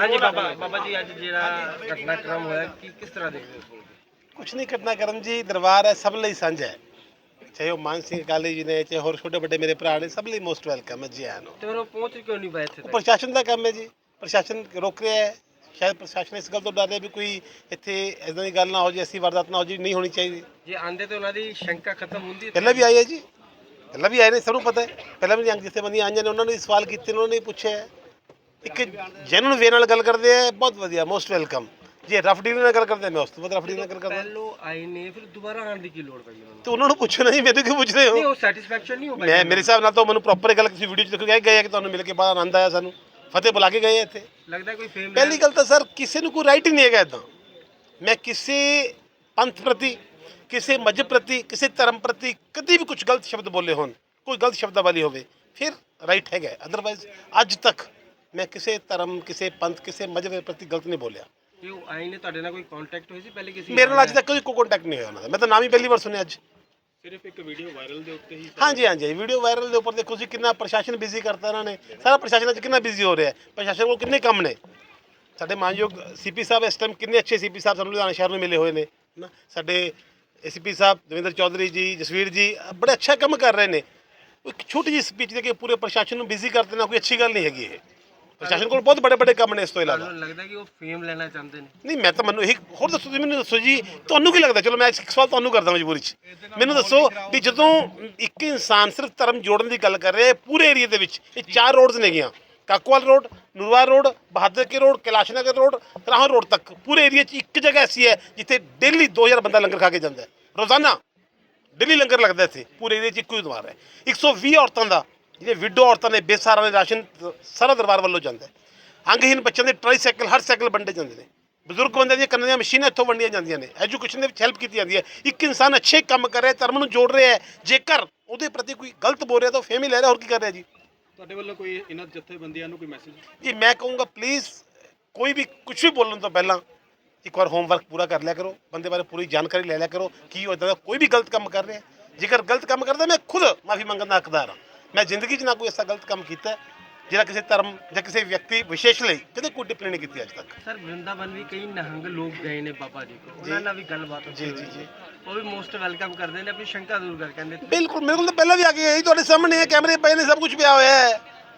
हाँ जी बाबा बाबा जी अज जिहड़ा घटनाक्रम होया कि किस तरह देखते हो? कुछ नहीं घटनाक्रम जी दरबार है सब ਲਈ ਸਾਂਝਾ ਹੈ ਚਾਹੇ ਉਹ ਮਾਨ ਸਿੰਘ ਕਾਲੀ ਜੀ ਨੇ ਚਾਹੇ ਹੋਰ ਛੋਟੇ ਵੱਡੇ ਮੇਰੇ ਭਰਾ ਨੇ ਸਭ ਲਈ ਮੋਸਟ ਵੈਲਕਮ ਹੈ ਜੀ ਆਇਆਂ ਨੂੰ ਤੇ ਫਿਰ ਉਹ ਪਹੁੰਚ ਕਿਉਂ ਨਹੀਂ ਪਾਏ ਇੱਥੇ ਉਹ ਤੱਕ? ਪ੍ਰਸ਼ਾਸਨ ਦਾ ਕੰਮ ਹੈ ਜੀ ਪ੍ਰਸ਼ਾਸਨ ਰੋਕ ਰਿਹਾ ਹੈ ਸ਼ਾਇਦ ਪ੍ਰਸ਼ਾਸਨ ਇਸ ਗੱਲ ਤੋਂ ਡਰ ਰਿਹਾ ਵੀ ਕੋਈ ਇੱਥੇ ਇਦਾਂ ਦੀ ਗੱਲ ਨਾ ਹੋ ਜੇ ਐਸੀ ਵਾਰਦਾਤ ਨਾ ਹੋ ਜੀ ਨਹੀਂ ਹੋਣੀ ਚਾਹੀਦੀ ਜੇ ਆਂਦੇ ਤੇ ਉਹਨਾਂ ਦੀ ਸ਼ੰਕਾ ਖਤਮ ਹੁੰਦੀ ਹੈ। ਪਹਿਲਾਂ ਵੀ ਆਏ ਹੈ ਜੀ ਪਹਿਲਾਂ ਵੀ ਆਏ ਨੇ ਸਭ ਨੂੰ ਪਤਾ ਹੈ ਪਹਿਲਾਂ ਵੀ ਜਿੱਥੇ ਬੰਦੀਆਂ ਆਈਆਂ ਨੇ ਉਹਨਾਂ ਨੇ ਸਵਾਲ ਕੀਤੇ ਨੇ ਉਹਨਾਂ ਨੇ ਪੁੱਛਿਆ ਹੈ। ਇੱਕ ਜੈਨੂਨ ਵੇ ਨਾਲ ਗੱਲ ਕਰਦੇ ਆ ਬਹੁਤ ਵਧੀਆ ਮੋਸਟ ਵੈਲਕਮ ਜੇ ਰਫ ਡੀਲ ਨਾਲ ਗੱਲ ਕਰਦੇ ਮੈਂ ਉਸ ਤੋਂ ਬਾਅਦ ਰਫ ਡੀਲ ਨਾਲ ਗੱਲ ਕਰਦਾ ਪਹਿਲੋਂ ਆਏ ਨੇ ਫਿਰ ਦੁਬਾਰਾ ਆਉਣ ਦੀ ਕੀ ਲੋੜ ਪਈ ਉਹਨਾਂ ਨੂੰ? ਤੇ ਉਹਨਾਂ ਨੂੰ ਪੁੱਛੋ ਨਹੀਂ ਮੈਨੂੰ ਕਿਉਂ ਪੁੱਛ ਰਹੇ ਨਹੀਂ ਹੋ ਉਹ ਸੈਟੀਸਫੈਕਸ਼ਨ ਨਹੀਂ ਹੋ ਪਾਈ। ਮੈਂ ਮੇਰੇ ਹਿਸਾਬ ਨਾਲ ਤਾਂ ਮੈਨੂੰ ਪ੍ਰੋਪਰ ਗੱਲ ਤੁਸੀਂ ਵੀਡੀਓ 'ਚ ਦੇਖੋ ਗਏ ਕਿ ਤੁਹਾਨੂੰ ਮਿਲ ਕੇ ਬੜਾ ਆਨੰਦ ਆਇਆ ਸਾਨੂੰ ਫਤਿਹ ਬੁਲਾ ਕੇ ਗਏ ਇੱਥੇ ਲੱਗਦਾ ਕੋਈ ਫੇਮ ਪਹਿਲੀ ਗੱਲ ਤਾਂ ਸਰ ਕਿਸੇ ਨੂੰ ਕੋਈ ਰਾਈਟ ਹੀ ਨਹੀਂ ਹੈਗਾ ਇੱਦਾਂ ਮੈਂ ਕਿਸੇ ਪੰਥ ਪ੍ਰਤੀ ਕਿਸੇ ਮਜ਼ਹਬ ਪ੍ਰਤੀ ਕਿਸੇ ਧਰਮ ਪ੍ਰਤੀ ਕਦੀ ਵੀ ਕੁਝ ਗਲਤ ਸ਼ਬਦ ਬੋਲੇ ਹੋਣ ਕੋਈ ਗਲਤ ਸ਼ਬਦਾਵਲੀ ਹੋਵੇ ਫਿਰ ਰਾਈਟ ਹੈਗਾ ਅਦਰਵਾਈਜ਼ ਅੱਜ ਤੱਕ ਮੈਂ ਕਿਸੇ ਧਰਮ ਕਿਸੇ ਪੰਥ ਕਿਸੇ ਮਜ਼ਹਬ ਪ੍ਰਤੀ ਗਲਤ ਨਹੀਂ ਬੋਲਿਆ ਕਿ ਉਹ ਆਏ ਨੇ ਤੁਹਾਡੇ ਨਾਲ ਕੋਈ ਕੰਟੈਕਟ ਹੋਈ ਸੀ ਪਹਿਲੇ ਕਿਸੇ ਮੇਰੇ ਨਾਲ ਅੱਜ ਤੱਕ ਕੋਈ ਕੰਟੈਕਟ ਨਹੀਂ ਹੋਇਆ ਉਹਨਾਂ ਦਾ ਮੈਂ ਤਾਂ ਨਾਮ ਹੀ ਪਹਿਲੀ ਵਾਰ ਸੁਣਿਆ ਅੱਜ ਸਿਰਫ ਇੱਕ ਵੀਡੀਓ ਵਾਇਰਲ ਦੇ ਉੱਤੇ ਹੀ ਹਾਂਜੀ ਹਾਂਜੀ ਵੀਡੀਓ ਵਾਇਰਲ ਦੇ ਉੱਪਰ ਦੇਖੋ ਜੀ ਕਿੰਨਾ ਪ੍ਰਸ਼ਾਸਨ ਬਿਜ਼ੀ ਕਰਤਾ ਇਹਨਾਂ ਨੇ ਸਾਰਾ ਪ੍ਰਸ਼ਾਸਨ ਅੱਜ ਕਿੰਨਾ ਬਿਜ਼ੀ ਹੋ ਰਿਹਾ ਹੈ ਪ੍ਰਸ਼ਾਸਨ ਕੋਲ ਕਿੰਨੇ ਕੰਮ ਨੇ ਸਾਡੇ ਮਾਨਯੋਗ ਸੀਪੀ ਸਾਹਿਬ ਇਸ ਟਾਈਮ ਕਿੰਨੇ ਅੱਛੇ ਸੀਪੀ ਸਾਹਿਬ ਸਾਨੂੰ ਲੁਧਿਆਣਾ ਸ਼ਹਿਰ ਨੂੰ ਮਿਲੇ ਹੋਏ ਨੇ ਨਾ ਸਾਡੇ ਏਸੀਪੀ ਸਾਹਿਬ ਦਵਿੰਦਰ ਚੌਧਰੀ ਜੀ ਜਸਵੀਰ ਜੀ ਬੜੇ ਅੱਛਾ ਕੰਮ ਕਰ ਰਹੇ ਨੇ ਇੱਕ ਛੋਟੀ ਜਿਹੀ ਸਪੀਚ ਦੇ ਕੇ ਪੂਰੇ ਪ੍ਰਸ਼ਾਸਨ ਨੂੰ ਬਿਜ਼ੀ ਕਰ ਦੇਣਾ ਕੋਈ ਅੱਛੀ ਗੱਲ ਨਹੀਂ ਹੈਗੀ ਇਹ ਪ੍ਰਸ਼ਾਸਨ ਕੋਲ ਬਹੁਤ ਵੱਡੇ ਵੱਡੇ ਕੰਮ ਨੇ ਇਸ ਤੋਂ ਇਲਾਵਾ ਤੁਹਾਨੂੰ ਲੱਗਦਾ ਕਿ ਉਹ ਫੇਮ ਲੈਣਾ ਚਾਹੁੰਦੇ ਨੇ? ਨਹੀਂ ਮੈਂ ਤਾਂ ਮੈਨੂੰ ਇਹ ਹੋਰ ਦੱਸੋ ਤੁਸੀਂ ਮੈਨੂੰ ਦੱਸੋ ਜੀ ਤੁਹਾਨੂੰ ਕੀ ਲੱਗਦਾ ਚਲੋ ਮੈਂ ਇੱਕ ਸਵਾਲ ਤੁਹਾਨੂੰ ਕਰਦਾ ਮਜਬੂਰੀ 'ਚ ਮੈਨੂੰ ਦੱਸੋ ਵੀ ਜਦੋਂ ਇੱਕ ਇਨਸਾਨ ਸਿਰਫ ਧਰਮ ਜੋੜਨ ਦੀ ਗੱਲ ਕਰ ਰਿਹਾ ਹੈ ਪੂਰੇ ਏਰੀਆ ਦੇ ਵਿੱਚ ਇਹ 4 ਰੋਡਸ ਨੇਗੀਆਂ Kakowal road Nurwar road Bahadar Ke road Kailash Nagar road Rahon road ਤੱਕ ਪੂਰੇ ਏਰੀਆ 'ਚ ਇੱਕ ਜਗ੍ਹਾ ਐਸੀ ਹੈ ਜਿੱਥੇ ਡੇਲੀ 2000 ਬੰਦਾ ਲੰਗਰ ਖਾ ਕੇ ਜਾਂਦਾ ਹੈ ਰੋਜ਼ਾਨਾ ਡੇਲੀ ਲੰਗਰ ਲੱਗਦਾ ਇੱਥੇ ਪੂਰੇ ਏਰੀਆ 'ਚ ਇੱਕੋ ਹੀ ਦਰਬਾਰ ਹੈ 120 ਔਰਤਾਂ ਦਾ ਜਿਹੜੇ ਵਿਡੋ ਔਰਤਾਂ ਨੇ ਬੇਸਹਾਰਾ ਨੇ ਰਾਸ਼ਨ ਸਾਰਾ ਦਰਬਾਰ ਵੱਲੋਂ ਜਾਂਦਾ ਹੈ ਅੰਗਹੀਨ ਬੱਚਿਆਂ ਦੇ ਟ੍ਰਾਈਸਾਈਕਲ ਹਰ ਸਾਈਕਲ ਵੰਡੇ ਜਾਂਦੇ ਨੇ ਬਜ਼ੁਰਗ ਬੰਦੇ ਦੀਆਂ ਕੰਨਾਂ ਦੀਆਂ ਮਸ਼ੀਨਾਂ ਇੱਥੋਂ ਵੰਡੀਆਂ ਜਾਂਦੀਆਂ ਨੇ ਐਜੂਕੇਸ਼ਨ ਦੇ ਵਿੱਚ ਹੈਲਪ ਕੀਤੀ ਜਾਂਦੀ ਹੈ ਇੱਕ ਇਨਸਾਨ ਅੱਛੇ ਕੰਮ ਕਰ ਰਿਹਾ ਧਰਮ ਨੂੰ ਜੋੜ ਰਿਹਾ ਹੈ ਜੇਕਰ ਉਹਦੇ ਪ੍ਰਤੀ ਕੋਈ ਗਲਤ ਬੋਲ ਰਿਹਾ ਤਾਂ ਫੇਮ ਹੀ ਲੈ ਰਿਹਾ ਹੋਰ ਕੀ ਕਰ ਰਿਹਾ ਜੀ ਤੁਹਾਡੇ ਵੱਲੋਂ ਕੋਈ ਇਹਨਾਂ ਜਥੇਬੰਦੀਆਂ ਨੂੰ ਕੋਈ ਮੈਸੇਜ? ਜੀ ਮੈਂ ਕਹੂੰਗਾ ਪਲੀਜ਼ ਕੋਈ ਵੀ ਕੁਝ ਵੀ ਬੋਲਣ ਤੋਂ ਪਹਿਲਾਂ ਇੱਕ ਵਾਰ ਹੋਮਵਰਕ ਪੂਰਾ ਕਰ ਲਿਆ ਕਰੋ ਬੰਦੇ ਬਾਰੇ ਪੂਰੀ ਜਾਣਕਾਰੀ ਲੈ ਲਿਆ ਕਰੋ ਕੀ ਉਹ ਇੱਦਾਂ ਦਾ ਕੋਈ ਵੀ ਗਲਤ ਕੰਮ ਕਰ ਰਿਹਾ ਜੇਕਰ ਗਲਤ ਕੰਮ ਕਰਦਾ ਮੈਂ ਖੁਦ ਮਾਫੀ ਮੰਗਣ ਦਾ ਹੱਕਦਾਰ ਹਾਂ ਮੈਂ ਜ਼ਿੰਦਗੀ 'ਚ ਨਾ ਕੋਈ ਐਸਾ ਗਲਤ ਕੰਮ ਕੀਤਾ ਜਿਹੜਾ ਕਿਸੇ ਧਰਮ ਜਾਂ ਕਿਸੇ ਵਿਅਕਤੀ ਵਿਸ਼ੇਸ਼ ਲਈ ਕਦੇ ਕੋਈ ਟਿੱਪਣੀ ਨਹੀਂ ਕੀਤੀ ਅੱਜ ਤੱਕ ਸਰ ਵਰਿੰਦਾਵਨ ਵੀ ਕਈ ਨਿਹੰਗ ਲੋਕ ਗਏ ਨੇ ਬਾਬਾ ਜੀ ਕੋਲ ਉਹਨਾਂ ਨਾਲ ਵੀ ਗੱਲਬਾਤ ਜੀ ਜੀ ਜੀ ਉਹ ਵੀ ਮੋਸਟ ਵੈਲਕਮ ਕਰਦੇ ਨੇ ਆਪਣੀ ਸ਼ੰਕਾ ਦੂਰ ਕਰ ਕਹਿੰਦੇ ਬਿਲਕੁਲ ਮੇਰੇ ਕੋਲ ਤਾਂ ਪਹਿਲਾਂ ਵੀ ਆ ਕੇ ਗਈ ਤੁਹਾਡੇ ਸਾਹਮਣੇ ਹੈ ਕੈਮਰੇ ਪਏ ਨੇ ਸਭ ਕੁਝ ਪਿਆ ਹੋਇਆ ਹੈ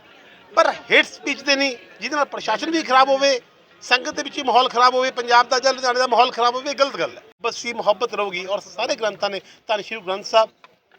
ਪਰ ਹੇਟ ਸਪੀਚ ਤੇ ਨਹੀਂ ਜਿਹਦੇ ਨਾਲ ਪ੍ਰਸ਼ਾਸਨ ਵੀ ਖਰਾਬ ਹੋਵੇ ਸੰਗਤ ਦੇ ਵਿੱਚ ਮਾਹੌਲ ਖਰਾਬ ਹੋਵੇ ਪੰਜਾਬ ਦਾ ਜਾਂ ਲੁਧਿਆਣੇ ਦਾ ਮਾਹੌਲ ਖਰਾਬ ਹੋਵੇ ਗਲਤ ਗੱਲ ਹੈ ਬਸ ਸੀ ਮੁਹੱਬਤ ਰਹੂਗੀ ਔਰ ਸਾਰੇ ਗ੍ਰੰਥਾਂ ਨੇ ਧੰਨ ਸ਼੍ਰੀ ਗੁਰੂ ਗ੍ਰੰਥ ਸਾਹਿਬ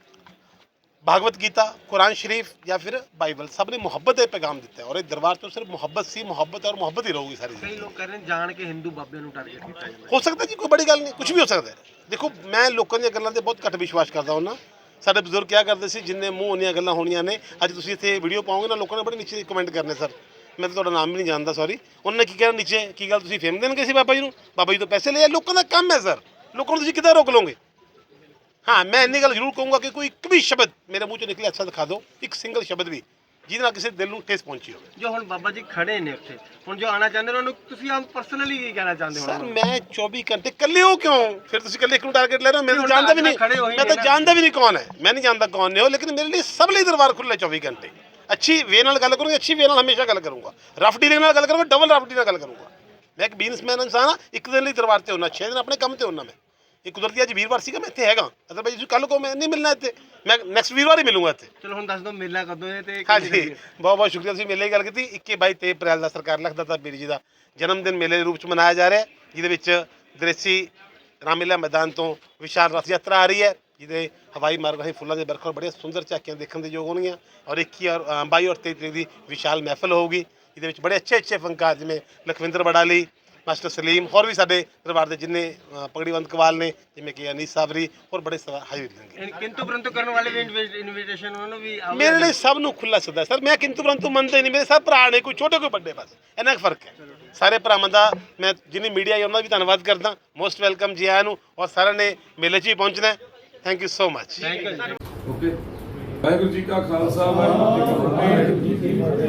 भागवत गीता कुरान शरीफ या फिर बाइबल सब ने मोहब्बत का पैगाम दिता है और इस दरबार तो सिर्फ मोहब्बत सी मोहब्बत और मोहब्बत ही रहोगी सारी कई लोग कह रहे हैं जान के हिंदू बाबे ਨੂੰ टारगेट ਕੀਤਾ ਜਾਂਦਾ हो सकता है जी कोई बड़ी गल नहीं कुछ भी हो सकता है देखो मैं लोगों ਦੀਆਂ ਗੱਲਾਂ ਤੇ ਬਹੁਤ ਘੱਟ ਵਿਸ਼ਵਾਸ ਕਰਦਾ ਹਾਂ ਸਾਡੇ ਬਜ਼ੁਰਗ ਕਿਹਾ ਕਰਦੇ ਸੀ ਜਿੰਨੇ ਮੂੰਹ ਉਹਨੀਆਂ ਗੱਲਾਂ ਹੋਣੀਆਂ ਨੇ ਅੱਜ ਤੁਸੀਂ ਇੱਥੇ ਵੀਡੀਓ ਪਾਓਗੇ ਨਾ ਲੋਕਾਂ ਨੇ ਬੜੇ ਨੀਚੇ ਕਮੈਂਟ ਕਰਨੇ ਸਰ ਮੈਂ ਤਾਂ ਤੁਹਾਡਾ ਨਾਮ ਵੀ ਨਹੀਂ ਜਾਣਦਾ ਸੌਰੀ ਉਹਨਾਂ ਨੇ ਕੀ ਕਹਿਣਾ ਨੀਚੇ ਕੀ ਗੱਲ ਤੁਸੀਂ ਫੇਮ ਦੇਣਗੇ ਸੀ ਬਾਬਾ ਜੀ ਤੋਂ ਪੈਸੇ ਲਏ ਲੋਕਾਂ ਦਾ ਕੰਮ ਹੈ ਸਰ ਲੋਕਾਂ ਨੂੰ ਤੁਸੀਂ ਕਿੱਦਾਂ ਰੋਕ ਲਓਗੇ हाँ मैं इन्नी गल जरूर कहूँगा कि कोई एक भी शब्द मेरे मुँह चो निकले अच्छा दिखा दो एक सिंगल शब्द भी ਜਿਹਦੇ ਨਾਲ ਕਿਸੇ ਦਿਲ ਨੂੰ ਠੇਸ ਪਹੁੰਚੀ ਹੋਵੇ ਜੋ ਹੁਣ ਬਾਬਾ ਜੀ ਖੜੇ ਨੇ ਉੱਥੇ ਹੁਣ ਜੋ ਆਣਾ ਚਾਹੁੰਦੇ ਨੇ ਉਹਨੂੰ ਤੁਸੀਂ ਆਪ ਪਰਸਨਲੀ ਕੀ ਕਹਿਣਾ ਚਾਹੁੰਦੇ ਹੋ ਸਰ ਮੈਂ 24 ਘੰਟੇ ਇਕੱਲੇ ਹੋ ਕਿਉਂ ਫਿਰ ਤੁਸੀਂ ਇਕੱਲੇ ਇੱਕ ਨੂੰ ਟਾਰਗੇਟ ਲੈ ਰਹੇ ਹੋ ਮੈਨੂੰ ਜਾਣਦਾ ਵੀ ਨਹੀਂ ਮੈਂ ਤਾਂ ਜਾਣਦਾ ਵੀ ਨਹੀਂ ਕੌਣ ਹੈ ਮੈਂ ਨਹੀਂ ਜਾਣਦਾ ਕੌਣ ਨੇ ਹੋ ਲੇਕਿਨ ਮੇਰੇ ਲਈ ਸਭ ਲਈ ਦਰਬਾਰ ਖੁੱਲ੍ਹਾ 24 ਘੰਟੇ ਅੱਛੀ ਵੇ ਨਾਲ ਗੱਲ ਕਰੂੰਗਾ ਅੱਛੀ ਵੇ ਨਾਲ ਹਮੇਸ਼ਾ ਗੱਲ ਕਰੂੰਗਾ ਰਫ ਡੀਲਿੰਗ ਨਾਲ ਗੱਲ ਕਰੂੰਗਾ ਡਬਲ ਰਫ ਡੀਲਿੰਗ ਨਾਲ ਗੱਲ ਕਰੂੰਗਾ ਮੈਂ ਇੱਕ ਬਿਜ਼ਨਸਮੈਨ ਇਨਸਾਨ ਹਾਂ ਇੱਕ ਦਿਨ ਲਈ ਦਰਬਾਰ ਤੇ ਹੁੰਨਾ 6 ਦਿਨ ਆਪਣੇ ਕੰਮ ਤੇ ਹੁੰਨਾ ਮੈਂ ਇਹ ਕੁਦਰਤੀ ਅੱਜ ਵੀਰਵਾਰ ਸੀਗਾ ਮੈਂ ਇੱਥੇ ਹੈਗਾ ਅਦਰਵਾਈਜ਼ ਤੁਸੀਂ ਕੱਲ ਕੋ ਮੈਂ ਨਹੀਂ ਮਿਲਣਾ ਇੱਥੇ ਮੈਂ ਨੈਕਸਟ ਵੀਰਵਾਰ ਹੀ ਮਿਲੂੰਗਾ ਇੱਥੇ ਚਲੋ ਹੁਣ ਦੱਸ ਦਿਓ ਮੇਲਾ ਕਦੋਂ ਹੈ ਤੇ ਹਾਂਜੀ ਬਹੁਤ ਬਹੁਤ ਸ਼ੁਕਰੀਆ ਤੁਸੀਂ ਮੇਲੇ ਦੀ ਗੱਲ ਕੀਤੀ 21 22 23 ਅਪ੍ਰੈਲ ਦਾ ਸਰਕਾਰ ਲਖਦਾਤਾ ਪੀਰ ਜੀ ਦਾ ਜਨਮ ਦਿਨ ਮੇਲੇ ਦੇ ਰੂਪ ਚ ਮਨਾਇਆ ਜਾ ਰਿਹਾ ਜਿਹਦੇ ਵਿੱਚ ਦ੍ਰਿਸ਼ੀ ਰਾਮਲੀਲਾ ਮੈਦਾਨ ਤੋਂ ਵਿਸ਼ਾਲ ਰਥ ਯਾਤਰਾ ਆ ਰਹੀ ਹੈ ਜਿਹਦੇ ਹਵਾਈ ਮਾਰਗ ਰਾਹੀਂ ਫੁੱਲਾਂ ਦੇ ਬਰਖਰ ਬੜੀਆਂ ਸੁੰਦਰ ਝਾਕੀਆਂ ਦੇਖਣ ਦੇ ਯੋਗ ਹੋਣਗੀਆਂ ਔਰ 21 ਔਰ 22 ਔਰ 23 ਤਰੀਕ ਦੀ ਵਿਸ਼ਾਲ ਮਹਿਫਲ ਹੋਊਗੀ ਜਿਹਦੇ ਵਿੱਚ ਬੜੇ ਅੱਛੇ ਫਨਕਾਰ ਜਿਵੇਂ ਲਖਵਿੰਦਰ ਬੜਾਲੀ ਮਾਸਟਰ ਸਲੀਮ ਹੋਰ ਵੀ ਸਾਡੇ ਦਰਬਾਰ ਦੇ ਜਿੰਨੇ ਪਗੜੀਵੰਤ ਕਵਾਲ ਨੇ ਜਿਵੇਂ ਕਿ ਅਨੀਸ ਸਾਬਰੀ ਹੋਰ ਬੜੇ ਹਾਜ਼ਰ ਹੋਣਗੇ ਕਿੰਤੂ ਪਰੰਤੂ ਕਰਨ ਵਾਲੇ ਵੀ ਇਨਵੀਟੇਸ਼ਨ ਉਹਨਾਂ ਨੂੰ ਵੀ ਮੇਰੇ ਲਈ ਸਭ ਨੂੰ ਖੁੱਲਾ ਸੱਦਾ ਸਰ ਮੈਂ ਕਿੰਤੂ ਪਰੰਤੂ ਮੰਨਦੇ ਨਹੀਂ ਮੇਰੇ ਸਭ ਭਰਾ ਨੇ ਕੋਈ ਛੋਟੇ ਕੋਈ ਵੱਡੇ ਬਸ ਇੰਨਾ ਫਰਕ ਹੈ ਸਾਰੇ ਭਰਾਵਾਂ ਦਾ ਮੈਂ ਜਿੰਨੀ ਮੀਡੀਆ ਹੈ ਉਹਨਾਂ ਦਾ ਵੀ ਧੰਨਵਾਦ ਕਰਦਾ ਮੋਸਟ ਵੈਲਕਮ ਜੀ ਆਇਆਂ ਨੂੰ ਔਰ ਸਾਰਿਆਂ ਨੇ ਮੇਲੇ 'ਚ ਹੀ ਪਹੁੰਚਣਾ thank you so much okay Waheguru ji ਕਾ ਖਾਲਸਾ ਵਾਹਿਗੁਰੂ ਜੀ ਕੀ ਫਤਿਹ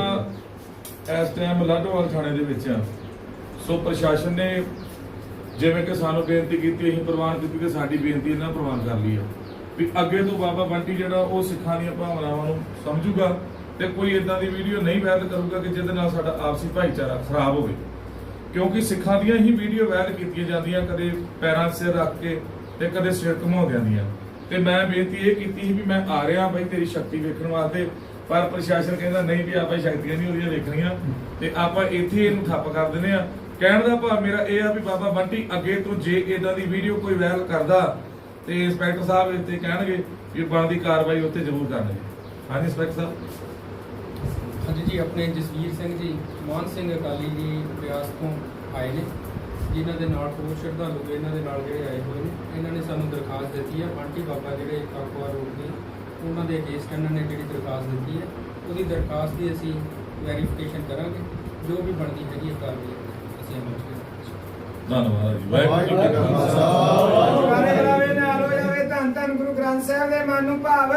ਆਪਾਂ ਇਸ ਟਾਈਮ ਲਾਡੋਵਾਲ ਥਾਣੇ ਦੇ ਵਿੱਚ ਆ ਸੋ ਪ੍ਰਸ਼ਾਸਨ ਨੇ ਜਿਵੇਂ ਕਿ ਸਾਨੂੰ ਬੇਨਤੀ ਕੀਤੀ ਅਸੀਂ ਪ੍ਰਵਾਨ ਕੀਤੀ ਤੇ ਸਾਡੀ ਬੇਨਤੀ ਇਹਨਾਂ ਪ੍ਰਵਾਨ ਕਰ ਲਈ ਆ ਵੀ ਅੱਗੇ ਤੋਂ ਬਾਬਾ ਬੰਟੀ ਜਿਹੜਾ ਉਹ ਸਿੱਖਾਂ ਦੀਆਂ ਭਾਵਨਾਵਾਂ ਨੂੰ ਸਮਝੂਗਾ ਤੇ ਕੋਈ ਇਦਾਂ ਦੀ ਵੀਡੀਓ ਨਹੀਂ ਵਾਇਰਲ ਕਰੂਗਾ ਕਿ ਜਿਹਦੇ ਨਾਲ ਸਾਡਾ ਆਪਸੀ ਭਾਈਚਾਰਾ ਖਰਾਬ ਹੋਵੇ, ਕਿਉਂਕਿ ਸਿੱਖਾਂ ਦੀਆਂ ਹੀ ਵੀਡੀਓ ਵਾਇਰਲ ਕੀਤੀਆਂ ਜਾਂਦੀਆਂ, ਕਦੇ ਪੈਰਾਂ 'ਤੇ ਸਿਰ ਰੱਖ ਕੇ ਤੇ ਕਦੇ ਸਿਰ ਘੁਮਾਉਂਦਿਆਂ ਦੀਆਂ। ਤੇ ਮੈਂ ਬੇਨਤੀ ਇਹ ਕੀਤੀ ਸੀ ਵੀ ਮੈਂ ਆ ਰਿਹਾ ਬਾਈ ਤੇਰੀ ਸ਼ਕਤੀ ਵੇਖਣ ਵਾਸਤੇ, ਪਰ ਪ੍ਰਸ਼ਾਸਨ ਕਹਿੰਦਾ ਨਹੀਂ ਵੀ ਆਪਾਂ ਸ਼ਕਤੀਆਂ ਨਹੀਂ ਉਹਦੀਆਂ ਵੇਖਣੀਆਂ ਤੇ ਆਪਾਂ ਇੱਥੇ ਇਹਨੂੰ ਠੱਪ ਕਰ ਦਿੰਦੇ ਆ। ਕਹਿਣ ਦਾ ਭਾਵ ਮੇਰਾ ਇਹ ਆ ਵੀ ਬਾਬਾ ਬੰਟੀ ਅੱਗੇ ਤੋਂ ਜੇ ਇਦਾਂ ਦੀ ਵੀਡੀਓ ਕੋਈ ਵਾਇਰਲ ਕਰਦਾ ਤੇ ਇੰਸਪੈਕਟਰ ਸਾਹਿਬ ਇੱਥੇ ਕਹਿਣਗੇ ਵੀ ਬਣਦੀ ਕਾਰਵਾਈ ਉੱਤੇ ਜ਼ਰੂਰ ਕਰਨਗੇ। ਹਾਂਜੀ ਇੰਸਪੈਕਟਰ ਸਾਹਿਬ। ਹਾਂਜੀ ਜੀ, ਆਪਣੇ ਜਸਵੀਰ ਸਿੰਘ ਜੀ ਮਾਨ ਸਿੰਘ ਅਕਾਲੀ ਜੀ ਬਿਆਸ ਤੋਂ ਆਏ ਨੇ, ਜਿਨ੍ਹਾਂ ਦੇ ਨਾਲ ਹੋਰ ਸ਼ਰਧਾਲੂ ਇਹਨਾਂ ਦੇ ਨਾਲ ਜਿਹੜੇ ਆਏ ਹੋਏ ਨੇ। ਇਹਨਾਂ ਨੇ ਸਾਨੂੰ ਦਰਖਾਸਤ ਦਿੱਤੀ ਹੈ ਬੰਟੀ ਬਾਬਾ ਜਿਹੜੇ ਕਾਕੂਆ ਰੋਡ ਦੇ, ਉਹਨਾਂ ਦੇ ਅਗੇਂਸਟ ਇਹਨਾਂ ਨੇ ਜਿਹੜੀ ਦਰਖਾਸਤ ਦਿੱਤੀ ਹੈ, ਉਹਦੀ ਦਰਖਾਸਤ ਦੀ ਅਸੀਂ ਵੈਰੀਫਿਕੇਸ਼ਨ ਕਰਾਂਗੇ, ਜੋ ਵੀ ਬਣਦੀ ਹੈਗੀ ਹੈ ਕਾਰਵਾਈ ਅਸੀਂ ਅਮਲ 'ਚ ਕਰਾਂਗੇ। ਧੰਨਵਾਦ ਜੀ। ਵਾਹਿਗੁਰੂ ਜੀ ਕਾ ਖਾਲਸਾ। ਜਗਾਰੇ ਜਗਾਵੇ ਨਾਲ ਹੋ ਜਾਵੇ ਧੰਨ ਧੰਨ ਗੁਰੂ ਗ੍ਰੰਥ ਸਾਹਿਬ ਦੇ ਮਨ ਨੂੰ ਭਾਵ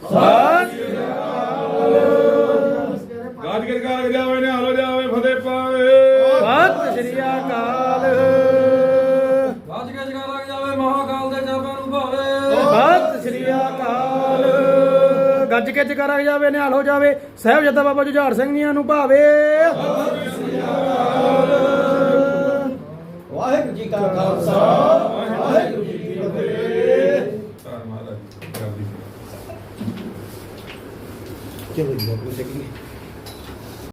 ਗੱਜ ਕੇ ਕਰ ਜਾਵੇ ਨੇ ਹਾਲੋ ਜਾਵੇ ਫਤਿਹ ਪਾਵੇ। ਸਤਿ ਸ੍ਰੀ ਅਕਾਲ। ਗੱਜ ਕੇ ਜਗਾਰਾ ਜਾਵੇ ਮਹਾਕਾਲ ਦੇ ਜਾਪਾਂ ਨੂੰ ਭਾਵੇ। ਸਤਿ ਸ੍ਰੀ ਅਕਾਲ। ਗੱਜ ਕੇ ਜਗਾਰਾ ਜਾਵੇ ਨਿਹਾਲ ਹੋ ਜਾਵੇ ਸਾਹਿਬਜ਼ਾਦਾ ਬਾਬਾ ਜੁਝਾਰ ਸਿੰਘ ਜੀਆਂ ਨੂੰ ਭਾਵੇ। ਵਾਹਿਗੁਰੂ ਜੀ ਕਾ ਖਾਲਸਾ ਵਾਹਿਗੁਰੂ ਜੀ ਕੀ ਫਤਿਹ। ਧੰਨਵਾਦ ਜੀ। ਚਲੋ ਜੀ ਬਾਬੂ ਜੀ।